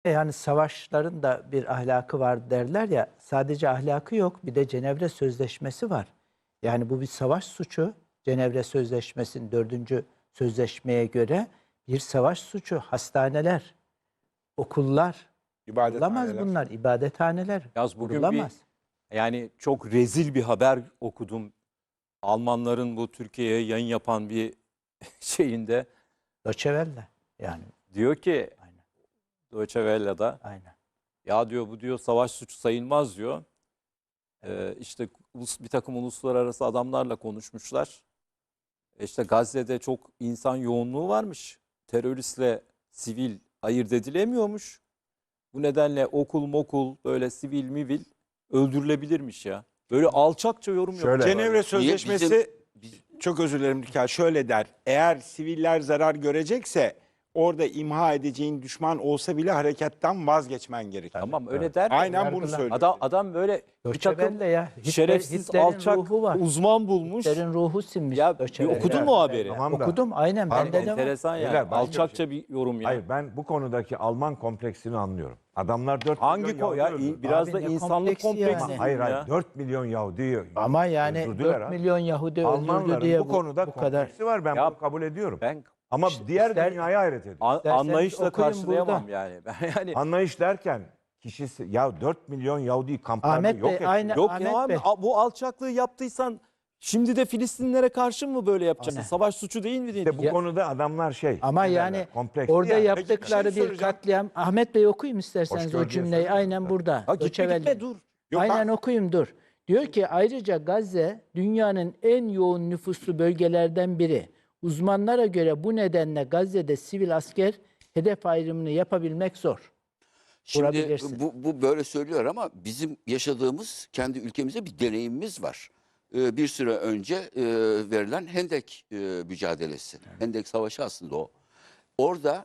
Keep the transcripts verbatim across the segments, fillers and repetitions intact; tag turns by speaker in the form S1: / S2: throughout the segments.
S1: Yani savaşların da bir ahlakı var derler ya, sadece ahlakı yok, bir de Cenevre Sözleşmesi var. Yani bu bir savaş suçu. Cenevre Sözleşmesi'nin dördüncü sözleşmeye göre bir savaş suçu. Hastaneler, okullar, kurulamaz
S2: İbadethaneler.
S1: bunlar, ibadethaneler
S3: Yaz bugün bir
S1: kurulamaz.
S3: yani çok rezil bir haber okudum. Almanların bu Türkiye'ye yayın yapan bir şeyinde
S1: Deutsche Welle yani,
S3: diyor ki
S1: aynen,
S3: Deutsche Welle'da
S1: aynen.
S3: ya diyor bu diyor savaş suçu sayılmaz diyor. Ee, işte ulus, bir takım uluslararası adamlarla konuşmuşlar. E İşte Gazze'de çok insan yoğunluğu varmış. Teröristle sivil ayırt edilemiyormuş. Bu nedenle okul mokul böyle sivil mivil öldürülebilirmiş ya. Böyle alçakça yorum
S2: Şöyle.
S3: yapıyor.
S2: Cenevre Sözleşmesi
S4: Bizim- biz-
S2: çok özür dilerim Dilker, şöyle der. Eğer siviller zarar görecekse orada imha edeceğin düşman olsa bile harekattan vazgeçmen gerekir.
S3: Tamam öyle der. de
S2: Aynen bunu
S1: Yargılar.
S2: söylüyor.
S3: Adam adam böyle bir
S1: Deutsche
S3: takım
S1: Welle ya. Hitler-
S3: şerefsiz
S1: Hitler'in
S3: alçak
S1: ruhu var.
S3: uzman bulmuş.
S1: Hitler'in ruhu sinmiş.
S3: Ya
S1: Deutsche
S3: bir
S1: Welle.
S3: okudun mu o haberi?
S5: Tamam da-
S1: Okudum aynen,
S5: Pardon,
S1: bende de var.
S3: Enteresan yani.
S5: Beyler, başka bir
S3: Alçakça bir yorum ya.
S5: Hayır, ben bu konudaki Alman kompleksini anlıyorum. Adamlar dört
S3: Hangi
S5: milyon
S3: ko ya
S5: Yahudi öldürdü.
S3: biraz
S1: Abi
S3: da
S1: ne
S3: insanlık
S1: kompleksi
S3: kompleksi.
S1: yani.
S5: Hayır hayır,
S3: ya.
S5: dört milyon Yahudi
S1: Ama yani
S5: öldürdüler
S1: dört
S5: abi.
S1: milyon Yahudi öldürdü
S5: Almanların
S1: diye
S5: bu konuda
S1: bu kadar.
S5: kompleksi var, ben
S3: Ya-
S5: bunu kabul ediyorum.
S3: Ben
S5: Ama
S1: İşte-
S5: diğer
S1: ister-
S5: dünyaya hayret ediyorum.
S3: an-
S1: İsterseniz
S3: anlayışla
S1: okuyun
S3: karşılayamam
S1: burada.
S3: yani. Ben yani
S5: Anlayış derken kişisi ya dört milyon Yahudi kamplarda
S1: Ahmet
S5: yok
S1: Bey,
S5: etti.
S1: aynı-
S3: yok
S1: Ahmet
S3: ya abi,
S1: Bey.
S3: a- bu alçaklığı yaptıysan şimdi de Filistinlilere karşı mı böyle yapacaksın?
S1: Aynen.
S3: Savaş suçu değil mi
S5: İşte
S3: diyeyim?
S5: bu
S1: Ya-
S5: konuda adamlar şey.
S1: Ama
S5: ne
S1: yani
S5: derler, kompleksli
S1: orada
S5: yani.
S1: yaptıkları
S2: Peki, bir şey
S1: bir
S2: soracağım.
S1: katliam. Ahmet Bey okuyayım isterseniz
S5: Hoş
S1: o
S5: gördüğünüz
S1: cümleyi.
S5: sözler.
S1: Aynen burada.
S3: Ha, gitme
S1: Deutsche
S3: gitme
S1: Welle.
S3: dur.
S2: Yok,
S1: Aynen
S2: ha-
S1: okuyayım dur. Diyor ki ayrıca Gazze dünyanın en yoğun nüfuslu bölgelerden biri. Uzmanlara göre bu nedenle Gazze'de sivil asker hedef ayrımını yapabilmek zor.
S4: Şimdi
S1: Kurabilirsin.
S4: bu, bu böyle söylüyor ama bizim yaşadığımız kendi ülkemizde bir deneyimimiz var. Ee, bir süre önce e, verilen Hendek e, mücadelesi. Hendek Savaşı aslında o. Orada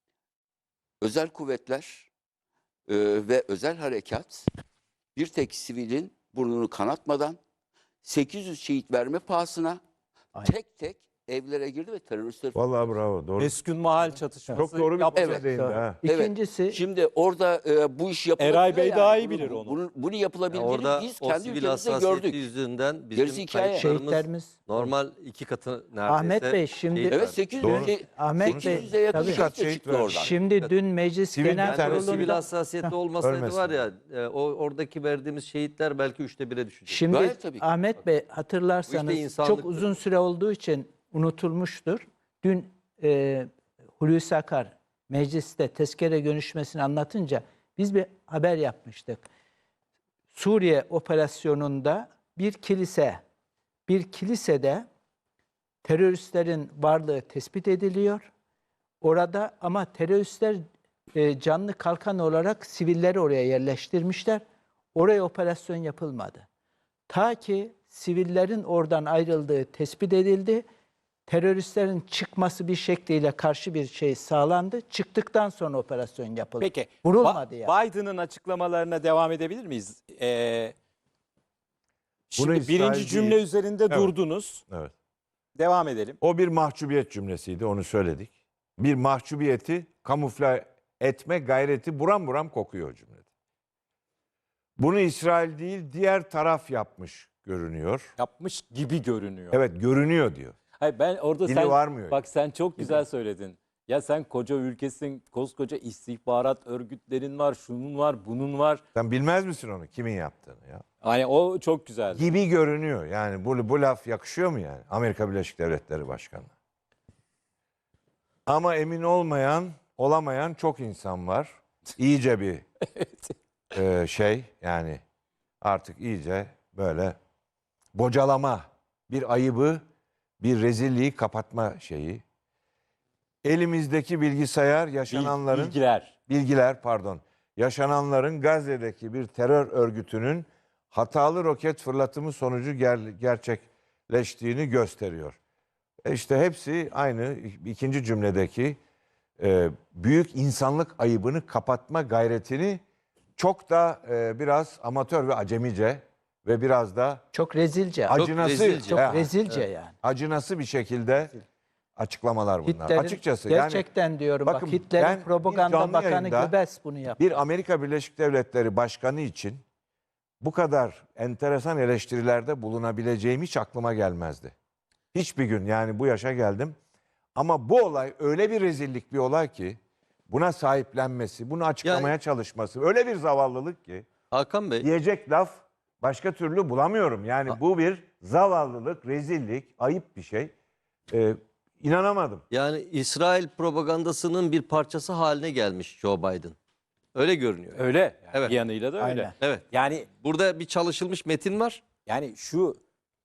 S4: özel kuvvetler e, ve özel harekat bir tek sivilin burnunu kanatmadan sekiz yüz şehit verme pahasına
S1: Aynen.
S4: tek tek evlere girdi ve teröristleri
S5: Vallahi bravo, doğru.
S3: Eskün mahal çatışması.
S5: Çok doğru bir
S3: yaptı.
S5: konuya
S4: Evet.
S5: değindi ha.
S4: Evet.
S1: İkincisi
S4: Şimdi orada e, bu iş yapılabilir.
S3: Eray Bey
S4: yani.
S3: daha iyi
S4: Bunu-
S3: bilir
S4: bu-
S3: onu.
S4: Bunu, bunu yapılabildiğini
S6: Orada
S4: biz
S6: o
S4: kendi
S6: sivil
S4: ülkemizde
S6: hassasiyeti
S4: gördük.
S6: yüzünden bizim
S4: Gerisi hikaye.
S6: kayıplarımız
S1: şehitlerimiz.
S6: normal iki katı neredeyse.
S1: Ahmet Bey, şimdi-
S6: şehit
S4: Evet
S6: verdik.
S4: sekiz
S5: Doğru.
S4: yüz şey-
S1: Ahmet
S4: sekiz
S1: Bey,
S4: yüze yakın
S1: tabii.
S4: şehit de
S5: Şehit
S4: çıktı
S5: vermiş.
S4: oradan.
S1: şimdi dün Meclis
S5: Sivil
S1: Genel
S5: bir tane
S6: Yani o sivil
S1: Kurulu'nda
S6: hassasiyeti olmasaydı
S5: Ölmesin.
S6: var ya e, o oradaki verdiğimiz şehitler belki üçte bire düşecek.
S1: şimdi
S4: Gayet tabii ki.
S1: Ahmet Bey
S6: Bu işte
S1: hatırlarsanız
S6: insanlıktır.
S1: çok uzun süre olduğu için unutulmuştur. Dün e, Hulusi Akar mecliste tezkere görüşmesini anlatınca biz bir haber yapmıştık. Suriye operasyonunda bir kilise, bir kilisede teröristlerin varlığı tespit ediliyor. Orada ama teröristler e, canlı kalkan olarak sivilleri oraya yerleştirmişler. Oraya operasyon yapılmadı. Ta ki sivillerin oradan ayrıldığı tespit edildi. Teröristlerin çıkması bir şekliyle karşı bir şey sağlandı. Çıktıktan sonra operasyon yapıldı.
S3: Peki.
S1: Vurulmadı
S3: Ba-
S1: yani.
S3: Biden'ın açıklamalarına devam edebilir miyiz? Ee, şimdi
S5: İsrail
S3: birinci
S5: değil.
S3: cümle üzerinde
S5: Evet.
S3: durdunuz.
S5: Evet.
S3: Devam edelim.
S5: O bir mahcubiyet cümlesiydi, onu söyledik. Bir mahcubiyeti kamufle etme gayreti buram buram kokuyor o cümlede. Bunu İsrail değil, diğer taraf yapmış görünüyor.
S3: Yapmış gibi görünüyor.
S5: Evet, görünüyor diyor.
S3: Hayır ben orada
S5: Dili
S3: sen
S5: varmıyor.
S3: bak sen çok güzel söyledin. Ya sen koca ülkesin, koskoca istihbarat örgütlerin var, şunun var, bunun var.
S5: Sen bilmez misin onu, kimin yaptığını ya?
S3: Hani o çok güzel.
S5: Gibi görünüyor. Yani bu, bu laf yakışıyor mu yani? Amerika Birleşik Devletleri Başkanı. Ama emin olmayan, olamayan çok insan var. İyice bir e, şey yani artık iyice böyle bocalama, bir ayıbı, bir rezilliği kapatma şeyi. Elimizdeki bilgisayar yaşananların
S3: Bilgiler.
S5: bilgiler pardon yaşananların Gazze'deki bir terör örgütünün hatalı roket fırlatımı sonucu ger- gerçekleştiğini gösteriyor. E işte hepsi aynı ikinci cümledeki e, büyük insanlık ayıbını kapatma gayretini çok da e, biraz amatör ve acemice ve biraz da
S1: Çok rezilce.
S5: acınası
S6: rezilce.
S1: Çok
S5: he,
S1: rezilce yani.
S5: acınası bir şekilde açıklamalar bunlar.
S1: Hitler'in,
S5: Açıkçası yani
S1: gerçekten diyorum
S5: bakın,
S1: bak Hitler'in
S5: ben bir
S1: propaganda
S5: canlı
S1: bakanı
S5: yayında
S1: Goebbels bunu yaptı.
S5: bir Amerika Birleşik Devletleri Başkanı için bu kadar enteresan eleştirilerde bulunabileceğim hiç aklıma gelmezdi. Hiçbir gün, yani bu yaşa geldim. Ama bu olay öyle bir rezillik bir olay ki buna sahiplenmesi, bunu açıklamaya
S6: Yani-
S5: çalışması öyle bir zavallılık ki
S6: Hakan Bey,
S5: diyecek laf başka türlü bulamıyorum. Yani bu bir zavallılık, rezillik, ayıp bir şey. Ee, inanamadım.
S6: yani İsrail propagandasının bir parçası haline gelmiş Joe Biden. Öyle görünüyor.
S3: Öyle. Yani
S6: Evet.
S3: Bir yanıyla da öyle.
S1: Aynen.
S6: Evet.
S3: Yani
S6: Burada bir çalışılmış metin var.
S3: yani şu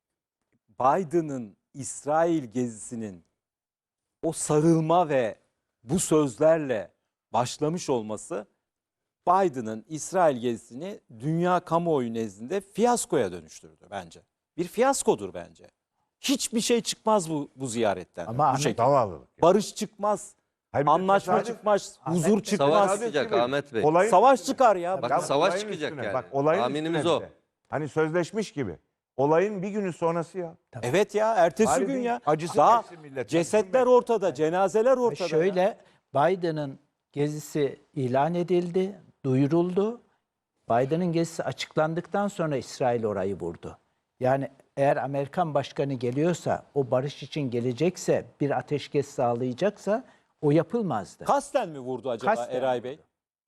S3: Biden'ın İsrail gezisinin o sarılma ve bu sözlerle başlamış olması Biden'ın İsrail gezisini dünya kamuoyu nezdinde fiyaskoya dönüştürdü bence. Bir fiyaskodur bence. Hiçbir şey çıkmaz bu bu ziyaretten.
S1: Ama
S3: bu
S1: Ahmet-
S3: şekilde.
S5: Zavallılık.
S3: Barış çıkmaz,
S5: Hayır, bir de
S3: anlaşma
S5: tesadüf-
S3: çıkmaz,
S1: Ahmet
S3: huzur
S1: Bey,
S3: çıkmaz.
S6: Savaş
S5: Tesadüf
S6: çıkacak
S5: gibi.
S6: Ahmet Bey.
S5: Olayın
S3: Savaş
S5: üstüne-
S3: çıkar ya.
S6: Bak,
S5: Ya
S6: savaş
S5: olayın
S6: çıkacak
S5: üstüne,
S6: yani.
S5: Bak olayın
S6: Tahminimiz
S5: üstüne
S6: o.
S5: bir de. Hani sözleşmiş gibi. Olayın bir günü sonrası ya.
S3: Evet ya, ertesi
S5: Bari
S3: gün
S5: bir
S3: ya.
S5: acısı
S3: Daha
S5: çeksin millet.
S3: cesetler ortada, cenazeler ortada. ya.
S1: Şöyle Biden'ın gezisi ilan edildi, duyuruldu. Biden'ın gezisi açıklandıktan sonra İsrail orayı vurdu. Yani eğer Amerikan başkanı geliyorsa, o barış için gelecekse, bir ateşkes sağlayacaksa o yapılmazdı.
S3: Kasten mi vurdu acaba
S1: Kasten
S3: Eray Bey?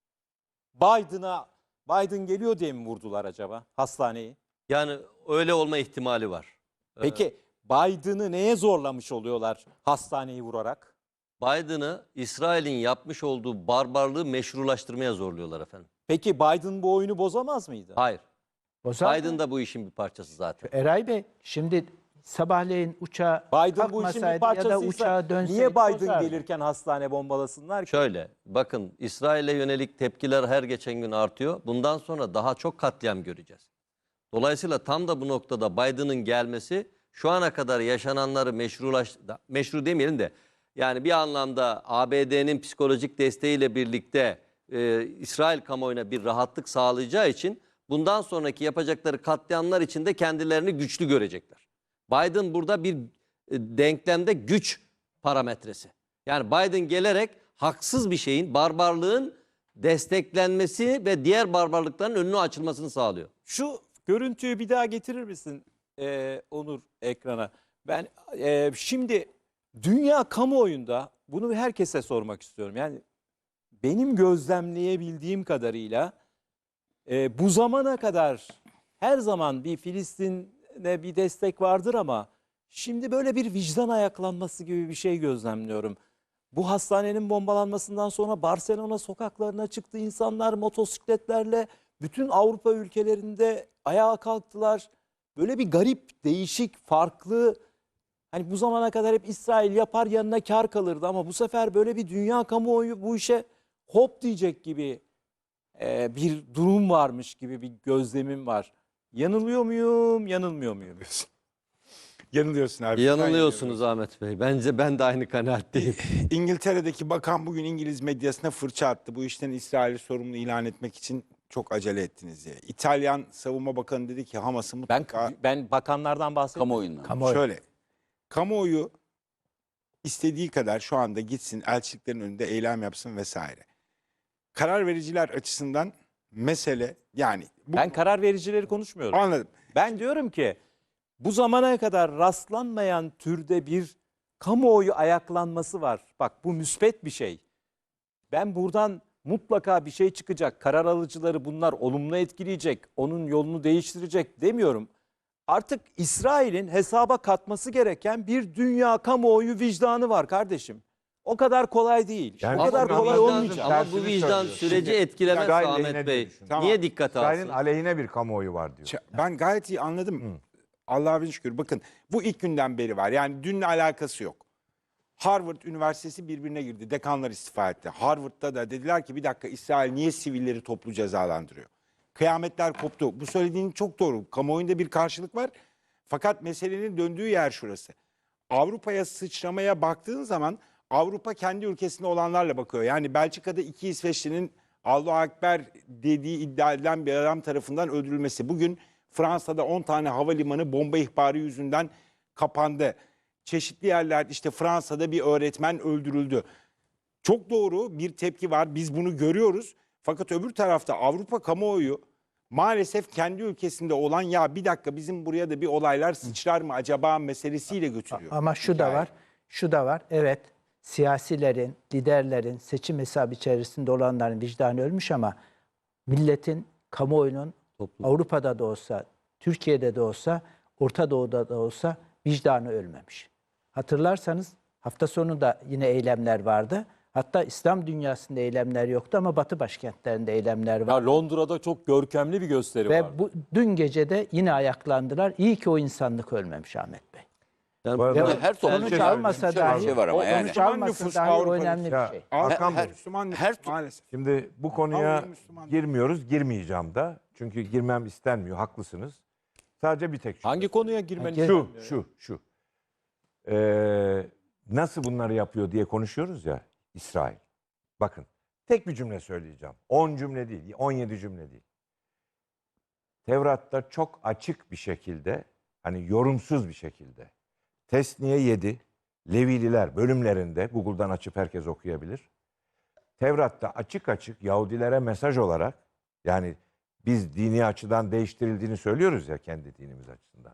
S3: Biden'a Biden geliyor diye mi vurdular acaba hastaneyi?
S6: Yani öyle olma ihtimali var.
S3: Peki Biden'ı neye zorlamış oluyorlar hastaneyi vurarak?
S6: Biden'ı İsrail'in yapmış olduğu barbarlığı meşrulaştırmaya zorluyorlar efendim.
S3: Peki Biden bu oyunu bozamaz mıydı?
S6: Hayır.
S1: Bozar mı?
S6: Biden da bu işin bir parçası zaten.
S1: Eray Bey, şimdi sabahleyin uçağa
S3: Biden bu işin bir
S1: kalkmasaydı ya da
S3: parçasıysa
S1: uçağa dönseydi
S3: niye Biden
S1: bozardı.
S3: gelirken hastane bombalasınlar ki?
S6: Şöyle bakın, İsrail'e yönelik tepkiler her geçen gün artıyor. Bundan sonra daha çok katliam göreceğiz. Dolayısıyla tam da bu noktada Biden'ın gelmesi şu ana kadar yaşananları meşrulaş, meşru demeyelim de yani bir anlamda A B D'nin psikolojik desteğiyle birlikte e, İsrail kamuoyuna bir rahatlık sağlayacağı için bundan sonraki yapacakları katliamlar için de kendilerini güçlü görecekler. Biden burada bir e, denklemde güç parametresi. Yani Biden gelerek haksız bir şeyin, barbarlığın desteklenmesi ve diğer barbarlıkların önünü açılmasını sağlıyor.
S3: Şu görüntüyü bir daha getirir misin Ee, Onur ekrana? Ben e, şimdi dünya kamuoyunda bunu herkese sormak istiyorum. Yani benim gözlemleyebildiğim kadarıyla e, bu zamana kadar her zaman bir Filistin'e bir destek vardır ama şimdi böyle bir vicdan ayaklanması gibi bir şey gözlemliyorum. Bu hastanenin bombalanmasından sonra Barcelona sokaklarına çıktı insanlar motosikletlerle, bütün Avrupa ülkelerinde ayağa kalktılar. Böyle bir garip, değişik, farklı, hani bu zamana kadar hep İsrail yapar yanına kar kalırdı ama bu sefer böyle bir dünya kamuoyu bu işe hop diyecek gibi e, bir durum varmış gibi bir gözlemim var. Yanılıyor muyum, yanılmıyor muyum?
S2: Yanılıyorsun abi.
S6: Yanılıyorsunuz Ahmet Bey. Bence ben de aynı kanaatteyim.
S2: İngiltere'deki bakan bugün İngiliz medyasına fırça attı. Bu işten İsrail'i sorumlu ilan etmek için çok acele ettiniz diye. İtalyan Savunma Bakanı dedi ki Hamas'ı
S3: Ben
S2: mutlaka...
S3: ben bakanlardan bahsetmiyorum.
S4: Kamuoyundan.
S1: Kamuoyu.
S2: Şöyle, kamuoyu istediği kadar şu anda gitsin, elçiliklerin önünde eylem yapsın vesaire. Karar vericiler açısından mesele, yani... Bu,
S3: Ben karar vericileri konuşmuyorum.
S2: anladım.
S3: Ben diyorum ki bu zamana kadar rastlanmayan türde bir kamuoyu ayaklanması var. Bak bu müspet bir şey. Ben buradan mutlaka bir şey çıkacak. Karar alıcıları bunlar olumlu etkileyecek. Onun yolunu değiştirecek demiyorum. Artık İsrail'in hesaba katması gereken bir dünya kamuoyu vicdanı var kardeşim. O kadar kolay değil.
S5: Yani
S3: o kadar
S5: bu
S3: kolay
S5: vicdan-
S3: olmayacak.
S6: Ama bu
S5: Tersini
S6: vicdan
S5: söylüyorsun.
S6: süreci
S2: Şimdi
S6: etkilemez
S5: İsrail
S6: Ahmet
S5: lehine
S6: Bey.
S5: düşün.
S2: Tamam.
S6: Niye dikkate
S5: İsrail'in
S6: alsın?
S5: aleyhine bir kamuoyu var diyor.
S2: Ç- Ben gayet iyi anladım. Allah'a bin şükür. Bakın bu ilk günden beri var. Yani dünle alakası yok. Harvard Üniversitesi birbirine girdi. Dekanlar istifa etti. Harvard'da da dediler ki bir dakika, İsrail niye sivilleri toplu cezalandırıyor? Kıyametler koptu. Bu söylediğin çok doğru. Kamuoyunda bir karşılık var. Fakat meselenin döndüğü yer şurası. Avrupa'ya sıçramaya baktığın zaman Avrupa kendi ülkesinde olanlarla bakıyor. Yani Belçika'da iki İsveçli'nin Allahu Ekber dediği iddia edilen bir adam tarafından öldürülmesi. Bugün Fransa'da on tane havalimanı bomba ihbarı yüzünden kapandı. çeşitli yerler, işte Fransa'da bir öğretmen öldürüldü. Çok doğru bir tepki var. Biz bunu görüyoruz. Fakat öbür tarafta Avrupa kamuoyu maalesef kendi ülkesinde olan, ya bir dakika bizim buraya da bir olaylar sıçrar mı acaba meselesiyle götürüyor.
S1: Ama şu da
S2: Hikaye.
S1: var, şu da var. Evet, siyasilerin, liderlerin, seçim hesabı içerisinde olanların vicdanı ölmüş ama milletin, kamuoyunun Avrupa'da da olsa, Türkiye'de de olsa, Orta Doğu'da da olsa vicdanı ölmemiş. Hatırlarsanız hafta sonu da yine eylemler vardı. Hatta İslam dünyasında eylemler yoktu ama Batı başkentlerinde eylemler var.
S3: Ya Londra'da çok görkemli bir gösteri
S1: Ve
S3: var.
S1: bu dün gece de yine ayaklandılar. İyi ki o insanlık ölmemiş Ahmet Bey.
S6: Yani
S5: Bu arada-
S1: Ve
S4: her toplumda
S1: sonuç
S5: şöyle
S1: almasa
S4: bir şey-
S1: dahi,
S4: bir şey var ama
S1: o
S4: yani.
S1: sonuç almasa
S2: Nüfus
S1: dahi o
S2: Avrupa'da-
S1: önemli
S5: Ya,
S1: bir şey.
S5: Hakan
S2: her,
S5: Bey,
S2: Müslüman
S4: her-
S2: maalesef.
S5: şimdi bu konuya
S2: Avrupa Müslüman.
S5: girmiyoruz, girmeyeceğim da. Çünkü girmem istenmiyor, haklısınız. Sadece bir tek şu.
S3: Hangi konuya girmeni
S5: Şu, şu, şu. Ee, nasıl bunları yapıyor diye konuşuyoruz ya İsrail. Bakın, tek bir cümle söyleyeceğim. on cümle değil, on yedi cümle değil. Tevrat'ta çok açık bir şekilde, hani yorumsuz bir şekilde, Tesniye yedi, Levililer bölümlerinde, Google'dan açıp herkes okuyabilir. Tevrat'ta açık açık Yahudilere mesaj olarak, yani biz dini açıdan değiştirildiğini söylüyoruz ya, kendi dinimiz açısından.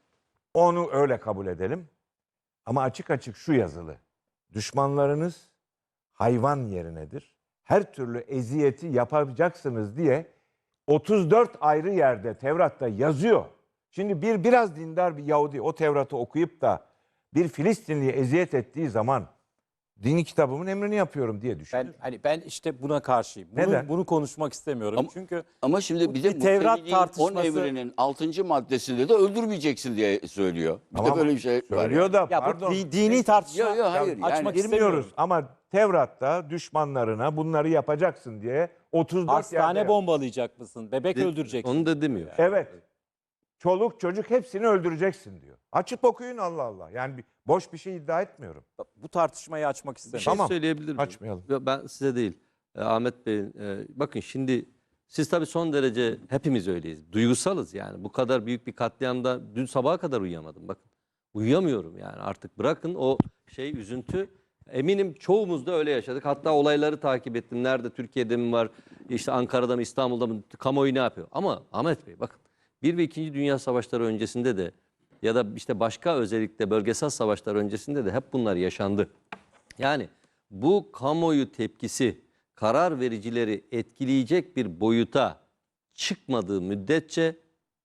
S5: Onu öyle kabul edelim. Ama açık açık şu yazılı: düşmanlarınız hayvan yerinedir. Her türlü eziyeti yapacaksınız diye otuz dört ayrı yerde Tevrat'ta yazıyor. Şimdi bir biraz dindar bir Yahudi o Tevrat'ı okuyup da bir Filistinliye eziyet ettiği zaman dini kitabımın emrini yapıyorum diye düşünür.
S3: Ben hani ben işte buna karşıyım. Bunu,
S5: Neden?
S3: bunu konuşmak istemiyorum.
S4: Ama-
S3: Çünkü
S4: Ama şimdi
S3: Bu
S4: bir de
S3: bir Tevrat
S4: Musevi'nin on
S3: tartışması-
S4: emrinin altıncı maddesinde de öldürmeyeceksin diye söylüyor. Bir
S5: Tamam,
S4: de böyle bir şey var.
S5: söylüyor
S4: yani.
S5: da
S3: ya
S5: pardon.
S3: bu di- dini tartışma
S4: Yok, yok, hayır,
S3: açmak
S4: yani-
S3: istemiyorum.
S5: Girmiyoruz ama Tevrat'ta düşmanlarına bunları yapacaksın diye otuz dört
S3: Hastane
S5: yerde.
S3: bombalayacak mısın? Bebek
S6: De-
S3: öldüreceksin.
S6: Onu da demiyor.
S5: Evet. Çoluk çocuk hepsini öldüreceksin diyor. Açıp okuyun, Allah Allah. Yani bir- boş bir şey iddia etmiyorum.
S3: Bu tartışmayı açmak
S6: Bir
S3: istemiyorum.
S6: şey
S5: Tamam,
S6: söyleyebilir miyim?
S5: açmayalım.
S6: Ya ben size değil. e, Ahmet Bey'in. e, bakın şimdi siz tabii son derece hepimiz öyleyiz. Duygusalız yani. Bu kadar büyük bir katliamda dün sabaha kadar uyuyamadım. Bakın uyuyamıyorum yani. Artık bırakın o şey üzüntü. Eminim çoğumuz da öyle yaşadık. Hatta olayları takip ettim. Nerede, Türkiye'de mi var, işte Ankara'da mı, İstanbul'da mı, kamuoyu ne yapıyor? Ama Ahmet Bey bakın, bir ve ikinci Dünya Savaşları öncesinde de ya da işte başka özellikle bölgesel savaşlar öncesinde de hep bunlar yaşandı. Yani bu kamuoyu tepkisi karar vericileri etkileyecek bir boyuta çıkmadığı müddetçe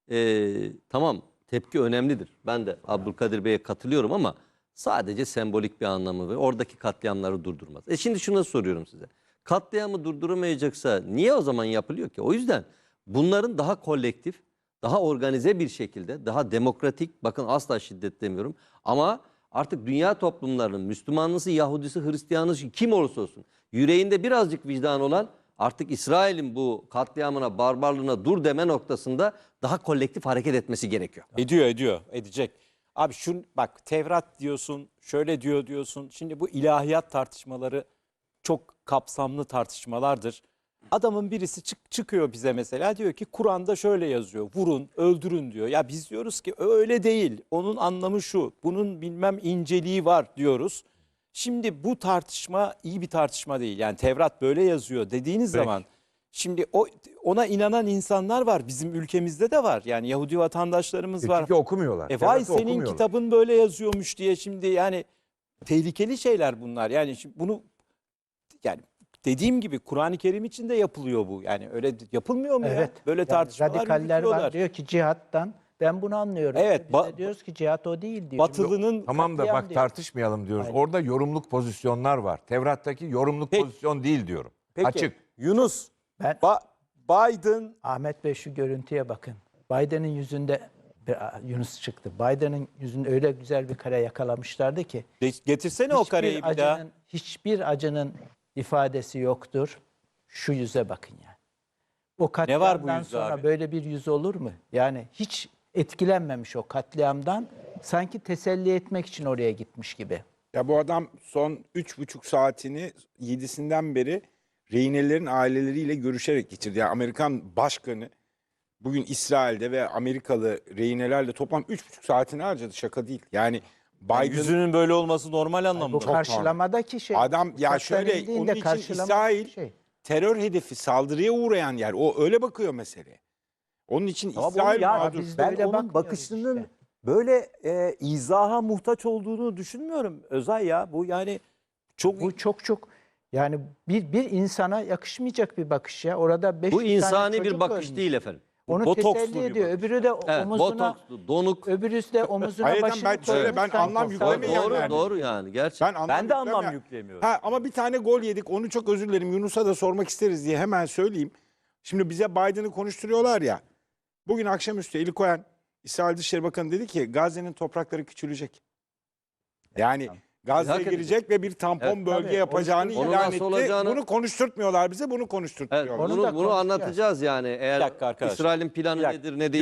S6: e, tamam, tepki önemlidir. Ben de Abdülkadir Bey'e katılıyorum ama sadece sembolik bir anlamı ve oradaki katliamları durdurmaz. E şimdi şunu soruyorum size. Katliamı durduramayacaksa niye o zaman yapılıyor ki? O yüzden bunların daha kolektif, daha organize bir şekilde, daha demokratik, bakın asla şiddet demiyorum ama artık dünya toplumlarının Müslümanlısı, Yahudisi, Hristiyanısı kim olursa olsun yüreğinde birazcık vicdan olan artık İsrail'in bu katliamına, barbarlığına dur deme noktasında daha kolektif hareket etmesi gerekiyor.
S3: Ediyor ediyor edecek. Abi şun bak, Tevrat diyorsun, şöyle diyor diyorsun. Şimdi bu ilahiyat tartışmaları çok kapsamlı tartışmalardır. Adamın birisi çık, çıkıyor bize mesela, diyor ki Kur'an'da şöyle yazıyor, vurun öldürün diyor. Ya biz diyoruz ki öyle değil, onun anlamı şu, bunun bilmem inceliği var diyoruz. Şimdi bu tartışma iyi bir tartışma değil. Yani Tevrat böyle yazıyor dediğiniz
S5: Peki.
S3: zaman şimdi o ona inanan insanlar var, bizim ülkemizde de var. Yani Yahudi vatandaşlarımız var.
S5: Çünkü okumuyorlar.
S3: E vay
S5: Tevrat'ı
S3: senin
S5: okumuyorlar.
S3: kitabın böyle yazıyormuş diye, şimdi yani tehlikeli şeyler bunlar. Yani şimdi bunu, yani dediğim gibi Kur'an-ı Kerim için de yapılıyor bu. Yani öyle yapılmıyor mu
S1: Evet.
S3: ya? Böyle
S1: Yani
S3: tartışmalar
S1: radikaller
S3: yürütüyorlar.
S1: var. Diyor ki cihattan, ben bunu anlıyorum.
S3: Evet,
S1: Biz de
S3: ba-
S1: diyoruz ki cihat o değil diyor.
S3: Batılının
S5: Tamam da
S1: katliam
S5: bak
S1: diyor.
S5: tartışmayalım diyoruz.
S1: Aynen.
S5: Orada yorumluk pozisyonlar var. Tevrat'taki yorumluk
S3: Peki.
S5: pozisyon değil diyorum.
S3: Peki,
S5: Açık.
S3: Yunus,
S1: Ben
S3: Ba- Biden
S1: Ahmet Bey şu görüntüye bakın. Biden'ın yüzünde Aa, Yunus çıktı. Biden'ın yüzünde öyle güzel bir kare yakalamışlardı ki
S3: de- getirsene o
S1: hiçbir
S3: kareyi bir daha.
S1: acının, hiçbir acının ifadesi yoktur. Şu yüze bakın yani. O
S3: Ne var bu
S1: katliamdan
S3: yüzde
S1: sonra
S3: abi?
S1: böyle bir yüz olur mu? Yani hiç etkilenmemiş o katliamdan. Sanki teselli etmek için oraya gitmiş gibi.
S2: Ya bu adam son üç buçuk saatini yedisinden beri rehinelerin aileleriyle görüşerek geçirdi. Yani Amerikan başkanı bugün İsrail'de ve Amerikalı rehinelerle toplam üç buçuk saatini harcadı, şaka değil. Yani
S3: Yani
S2: Biden
S3: yüzünün böyle olması normal
S1: Bu
S3: anlamda.
S1: karşılamadaki şey.
S2: Adam ya
S1: uçaktan
S2: şöyle
S1: indiğinde
S2: onun için
S1: karşılamadaki
S2: İsrail
S1: şey.
S2: terör hedefi, saldırıya uğrayan yer. O öyle bakıyor meseleye. Onun için
S7: Tamam,
S2: İsrail
S7: onu ya-
S2: mağdur.
S1: Biz de
S7: Ben
S1: öyle
S7: onun
S1: bakmıyoruz
S7: bakışının
S1: işte.
S7: böyle e, izaha muhtaç olduğunu düşünmüyorum Özay ya. Bu yani çok
S1: Bu çok çok yani bir bir insana yakışmayacak bir bakış ya. Orada beş
S6: Bu
S1: tane
S6: insani bir
S1: çocuk
S6: bakış
S1: ölmüş.
S6: değil efendim.
S1: Onu
S3: botokslu
S1: teselli
S3: bir
S1: ediyor.
S3: bakış.
S1: Öbürü de
S6: Evet,
S1: omuzuna
S6: botokslu, donuk.
S1: öbürüsü de omuzuna
S2: Hayır,
S1: başını
S2: ben şöyle,
S1: koymuş,
S2: ben
S1: sanki
S2: anlam
S1: savaş
S2: yüklemeyenler
S6: Doğru,
S2: yani.
S6: doğru yani gerçekten.
S2: Ben, anlam
S7: ben de anlam
S2: yükleme-
S7: yüklemiyorum.
S2: Ha, ama bir tane gol yedik. Onu çok özür dilerim. Yunus'a da sormak isteriz diye hemen söyleyeyim. Şimdi bize Biden'ı konuşturuyorlar ya. Bugün akşamüstü Eli Cohen, İsrail Dışişleri Bakanı dedi ki Gazze'nin toprakları küçülecek. Yani Gazze'ye
S6: Hak edecek.
S2: girecek ve bir tampon
S6: Evet,
S2: bölge
S1: tabii.
S2: yapacağını
S6: Onun
S2: ilan
S6: nasıl
S2: etti.
S6: olacağını-
S2: Bunu konuşturtmuyorlar bize, bunu
S6: Evet,
S2: konuşturtuyorlar.
S1: Onu
S6: bunu,
S1: da
S6: bunu
S1: konuşacağız.
S6: anlatacağız yani. Eğer
S3: dakika arkadaşlar.
S6: İsrail'in planı
S7: Bir dakika.
S6: nedir ne değil.